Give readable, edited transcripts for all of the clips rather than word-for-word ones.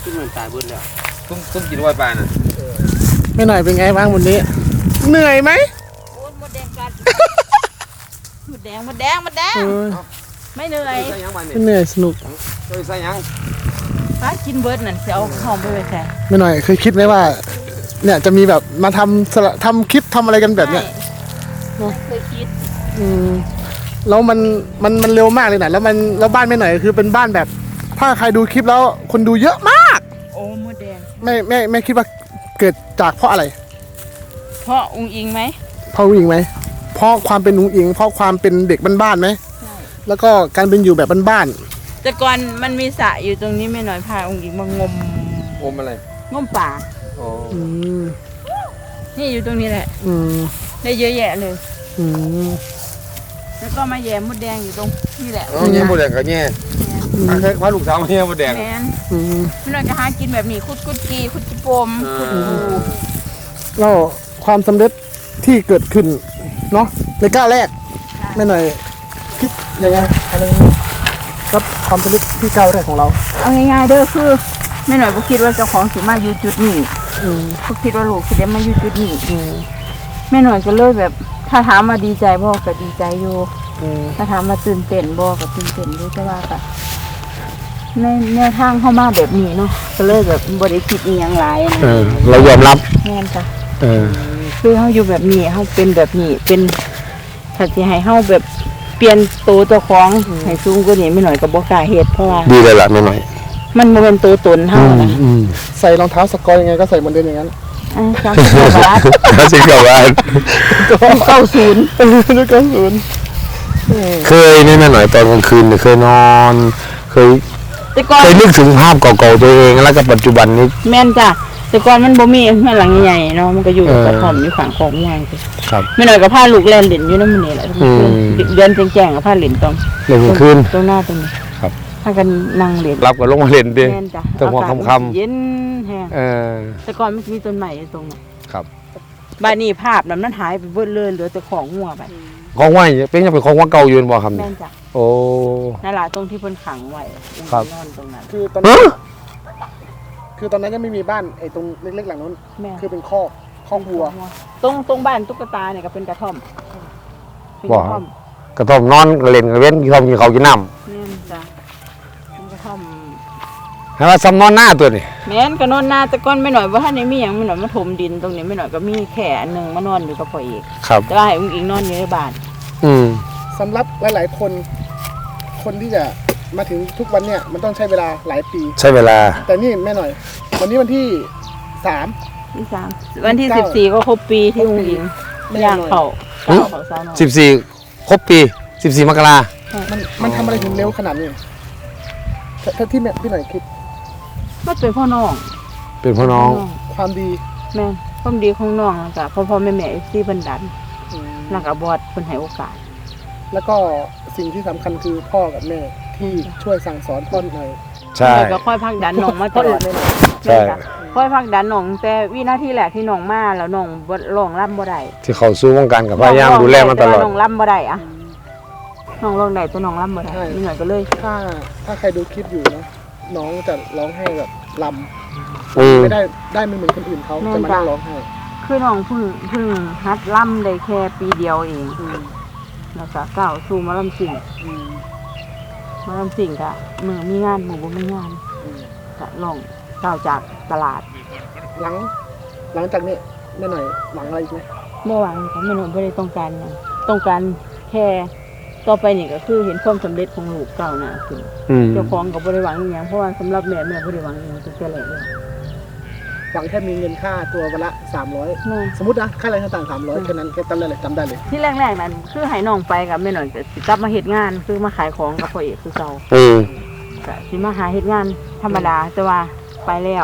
ขึ้นมันตายเบิดแล้วตุ้มกินไว้ปลาน่ะไม่หน่อยเป็นไงบ้างวันนี้เหนื่อยไหมโอ้ยมดแดงกัดมดแดงไม่เหนื่อยไม่เหนื่อยสนุกใส่ยังป้ากินเบิร์ดนั่นเสียเอาหอมไปแค่ไม่หน่อยเคยคิดไหมว่าเนี่ยจะมีแบบมาทำคลิปทำอะไรกันแบบเนี้ยเคยคิดแล้วมันเร็วมากเลยนะแล้วบ้านไม่หน่อยคือเป็นบ้านแบบถ้าใครดูคลิปแล้วคนดูเยอะมากโอ้มดแดงไม่คิดว่าเกิดจากเพราะอะไรเพราะอุ้งอิงไหมเพราะอุ้งอิงไหมเพราะความเป็นอุ้งอิงเพราะความเป็นเด็กบ้านๆไหมใช่แล้วก็การเป็นอยู่แบบบ้านๆแต่ก่อนมันมีสระอยู่ตรงนี้ไม่หน่อยพาอุ้งอิงมางมอะไรงมป่าอ๋อนี่อยู่ตรงนี้แหละได้เยอะแยะเลยแล้วก็มาแย่มดแดงอยู่ตรงนี่แหละแย่มดแดงก็แย่แค่พาลูกสาวมาแย่มดแดงแม่ไม่หน่อยก็หากินแบบนี้คุดกีคุดจิปมคุดปูแล้วความสำเร็จที่เกิดขึ้นเนาะในก้าวแรกไม่หน่อยคิดยังไงอะไรครับความสำเร็จที่ก้าวแรกของเราเอาง่ายๆเด้อคือไม่หน่อยก็คิดว่าเจ้าของสิมาอยู่จุดนี้ก็คิดว่าลูกสิได้มาอยู่จุดนี้แม่หน่อยก็เลยแบบถ้าถามมาดีใจบ่ก็ดีใจอยู่ถ้าถามมาตื่นเต้นบ่ก็ตื่นเต้นอยู่แต่ว่าก็ในแนวทางเข้ามาแบบนี้เนาะก็เลยแบบบ่ได้คิดอีหยังหลายเรายอมรับแม่นจ้ะคือเฮาอยู่แบบนี้เฮาเป็นแบบนี้เป็นถ้าสิให้เฮาแบบเปลี่ยนตัวเจ้าของให้สูงกว่านี้ไม่หน่อยก็บ่กล้าเฮ็ดเพราะว่าดีเลยล่ะไม่หน่อยมันบ่เป็นตัวตนเฮานะใส่รองเท้าสกอร์ยังไงก็ใส่เหมือนเดิมอย่างนั้น 30 บาท 90 บาทเคยนี่แม่หน่อยตอนกลางคืนเคยนอนเคยนึกถึงภาพเก่าๆตัวเองแล้วกับปัจจุบันนี้แม่นจ้ะแต่ก่อนมันบ่มีแม่หลังใหญ่เนาะมันก็อยู่กระท่อมอยู่ฝั่งของใหญ่ครับแม่หน่อยก็พาลูกเล่นเล่นอยู่นำมื้อนี้แหละเดือนแจ้งๆก็พาเล่นตรงเล่นคืนตรงหน้าตรงนี้ครับพากันนั่งเล่นรับก็ลงมาเล่นดิแม่นจ้ะตรงหัวค่ำๆเย็นแฮงแต่ก่อนมันมีต้นไม้ตรงนั้นครับบ้านนี้ภาพนั้นหายไปเบิดเลยเหลือแต่ของงัวไปของไว้เป็นยังเป็นของว่าเก่าอยู่บ่ครับแม่นจ้ะโอ้นั่นล่ะตรงที่เพิ่นขังไว้นอนตรงนั้นคือตอนนั้นยังไม่มีบ้านไอ้ตรงเล็กๆหลังนั้นคือเป็นคอกวัวตรงบ้านตุ๊กตาเนี่ยก็เป็นกระท่อมกระท่อมนอนเล่นเว้นกระท่อมกินข้าวกินน้ำแม่นจ้ะกระท่อมให้ว่าซ้ำนอนหน้าตัวนี่แม่นก็นอนหน้าแต่ก่อนไม่หน่อยว่าท่านนี้มีหยังไม่หน่อยมาถมดินตรงนี้ไม่หน่อยก็มีแค่อันนึงมานอนอยู่กับพ่อเอกแต่ว่าให้อุ้งอิงนอนอยู่ในบ้านสำหรับหลายๆคนที่จะมาถึงทุกวันเนี่ยมันต้องใช้เวลาหลายปีใช้เวลาแต่นี่แม่หน่อยวันนี้วันที่ 3วันที่14ก็ครบปีที่อุ้งอิงย่างเขาสาวน้อย 14ครบปี14 มกรามันทำอะไรถึงเร็วขนาดนี้ถ้าที่พี่หน่อยคิดมันเป็นพ่อน้องความดีแม่ความดีของน้องแล้วก็พ่อแม่ที่บันดันแล้วก็บอดเพิ่นให้โอกาสแล้วก็สิ่งที่สำคัญคือพ่อกับแม่ที่ช่วยสั่งสอนพ่อหน่อยใช่ก็ค่อยพักดันน้องมาตลอดเลยใช่ค่อยพักดันน้องแต่วินาทีแรกที่น้องมาแล้วน้องร้องรำบ่ได้ที่เขาสู้วงการกับพยายามดูแลมาตลอดน้องรำบ่ได้อะน้องร้องได้แต่น้องรำบ่ได้เหนื่อยก็เลยถ้าใครดูคลิปอยู่นะน้องจะร้องไห้แบบรำไม่ได้ไม่เหมือนคนอื่นเขาจะมานั่งร้องไห้คือน้องเพิ่งฮัดรำได้แค่ปีเดียวเองแล้วก็ก้าวสู่มาลำสิ่งกะมือมีงานมือบ่มีงานกะลองก้าวจากตลาดหลังจากนี้แม่หน่อยหวังอะไรอีกไหมบ่หวังค่ะแม่หน่อยบ่ได้ต้องการแค่ต่อไปนี่ก็คือเห็นความสำเร็จของลูกก้าวหน้าขึ้นเจ้าของก็บ่ได้หวังอีหยังเพราะว่าสำหรับแม่บ่ได้หวังอีหยังตั้งแต่แรกเลยหวังแค่มีเงินค่าตัววันละ300สมมตินะค่าแรงขั้นต่ำ300แค่นั้นแค่จำได้เลยที่แรกๆนั้นคือให้น้องไปกับแม่หน่อยจะกลับมาเฮ็ดงานคือมาขายของกับพ่อเอกคือเก่าก็สิมาหาเฮ็ดงานธรรมดาแต่ว่าไปแล้ว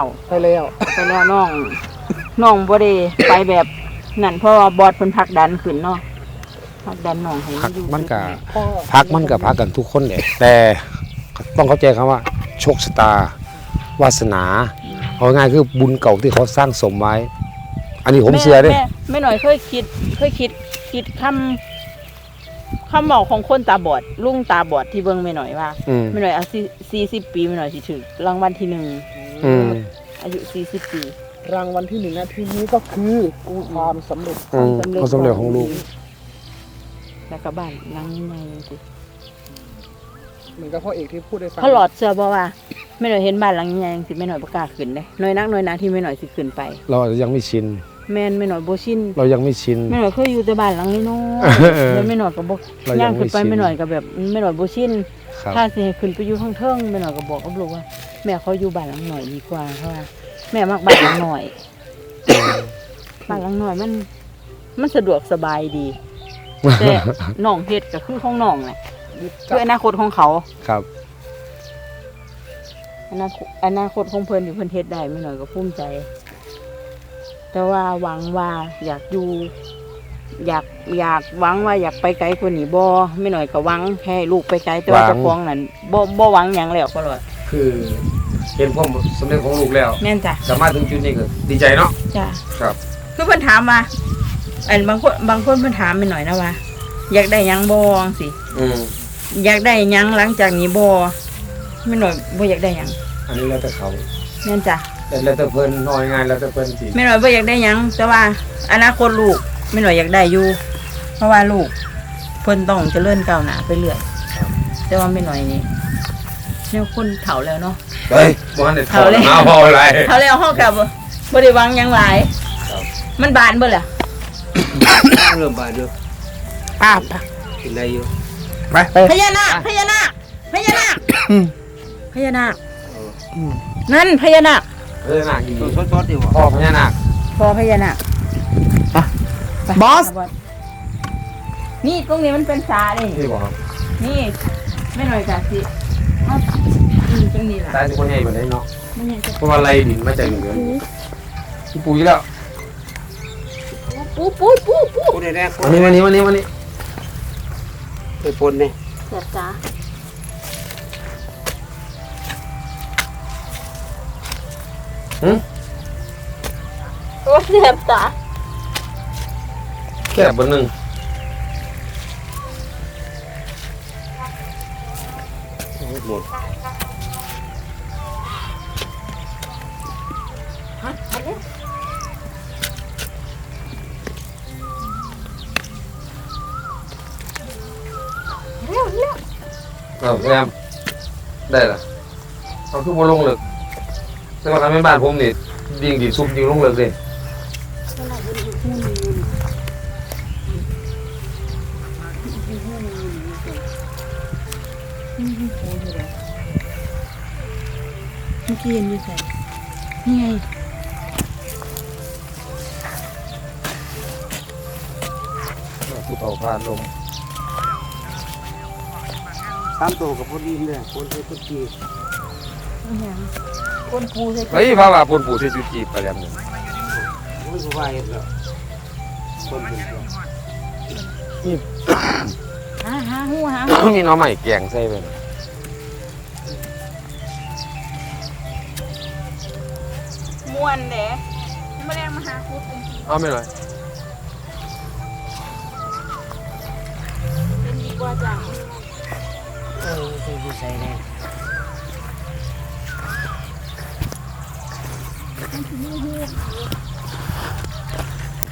น้องบ่ได้ไปแบบนั่นเพราะว่าบอสเพิ่นผลักดันขึ้นเนาะผลักดันน้องให้อยู่มันก็พักกันทุกคนแหละแต่ต้องเข้าใจคำว่าโชคชะตาวาสนาเอาง่ายคือบุญเก่าที่เขาสร้างสมไว้อันนี้ผมเชื่อด้วยไม่หน่อยเคยคิดคำบอกของคนตาบอดลุงตาบอดที่เบิ่งไม่หน่อยว่าไม่หน่อยเอา40 ปีไม่หน่อยสิถึงรางวัลที่1 อืมอายุ40 ปีรางวัลที่1นาทีนี้ก็คือความสำเร็จอืมความสำเร็จของลูกแล้วก็บ้านหลังใหญ่ๆสิเหมือนกับพ่อเอกที่พูดได้ฟังเขาหลอดเชื่อบ่ว่าแม่หน่อยเห็นบ้านหลังใหญ่ๆสิแม่หน่อยบ่กล้าขึ้นเด้น้อยนักน้อยหนาที่แม่หน่อยสิขึ้นไปเราอาจจะยังไม่ชินแม่นแม่หน่อยบ่ชินเรายังไม่ชินแม่หน่อยเคยอยู่แต่บ้านหลังน้อยเออๆแล้วแม่หน่อยก็บ่เรายังย่างขึ้นไปไม่ชินแม่หน่อยก็แบบแม่หน่อยบ่ชินครับถ้าสิให้ขึ้นไปอยู่ข้างเทิงแม่หน่อยก็บอกกับลูกว่า แม่เขาอยู่บ้านหลังหน่อยดีกว่าเพราะว่าแม่มักบ้านหลังหน่อยบ้านหลังหน่อยมันสะดวกสบายดี แต่น้องเฮ็ดก็คือของน้องแหละคืออนาคตของเขาครับอนาคตของเพิ่นที่เพิ่นเฮ็ดได้แม่หน่อยก็ภูมิใจ แต่ว่าหวังว่าอยากอยู่ อยากหวังว่าอยากไปไกลกว่านี้บ่แม่หน่อยก็หวังให้ลูกไปไกลแต่ว่าหวังเจ้าของนั้นบ่หวังหยังแล้วก็เลยคือเห็นความสำเร็จของลูกแล้วแม่นจ้ะสามารถถึงจุดนี้ก็ดีใจเนาะจ้ะครับคือเพิ่นถามว่าบางคนเพิ่นถามแม่หน่อยนะว่า อยากได้หยังบ่จังซี่อืมอยากได้หยังหลังจากนี้บ่แม่หน่อยบ่อยากได้หยังอันนี้แล้วแต่เขาแม่นจ้ะแต่แล้วแต่เพิ่นน้อยงานแล้วแต่เพิ่นสิแม่หน่อยบ่อยากได้หยังแต่ว่าอนาคตลูกแม่หน่อยอยากได้อยู่ เพราะว่าลูกเพิ่นต้องเจริญก้าวหน้าไปเรื่อยแต่ว่าแม่หน่อยนี่แนวคนเฒ่าแล้วเนาะเฮ้ยบ่ทันได้ถอดเอาเลยเอาพออะไรเฒ่าแล้วเฮาก็บ่ได้หวังหยังหลายมันบานเบิดล่ะเริ่มบานเด้อป้าบกินได้อยู่ไปพญานาคพญานาคพญานาคพญานาคนั่นพญานาคพญานาคอีกสดๆดีบ่พ่อพญานาคพอพญานาคไปบอสนี่ตรงนี้มันเป็นสาเลยที่บอกครับนี่ไม่หน่อยจ้ะสิเอาตรงนี้ล่ะตายสิคนใหญ่กว่านี้เนาะมันยังจะเพราะว่าไรดินมาจากเหนือที่ปุ๋ยแล้วปูพูดได้แน่วันนี้ไปปนนี่เจ็บจ้าหืมโอ้เจ็บจ้าแค่บนหนึ่งหมดฮะเอาเร็วเร็วเอาแซมได้ละเอาทุกบนลงเลยแต่ว่าทำให้บ้านผมนี่ยิงดีซุปยิงลงเลยเลยเมื่อกี้เห็นอยู่ใส่นี่ไงผู้เฒ่าผ่านลม 3ตัวกับพอดีเลยคนใส่กุจีนี่ไงก้นปูใส่เฮ้ยพาว่าปนปู่ที่จุจีไปแล้วนึงโอ้ยสบายแล้วคนเป็นตัวหาหัวมีน้องใหม่แกงใส่ไปม้วนเด้มาแรงมาหาคุดเป็นเอาไม่เลยดีกว่าจ้ะใส่แน่ม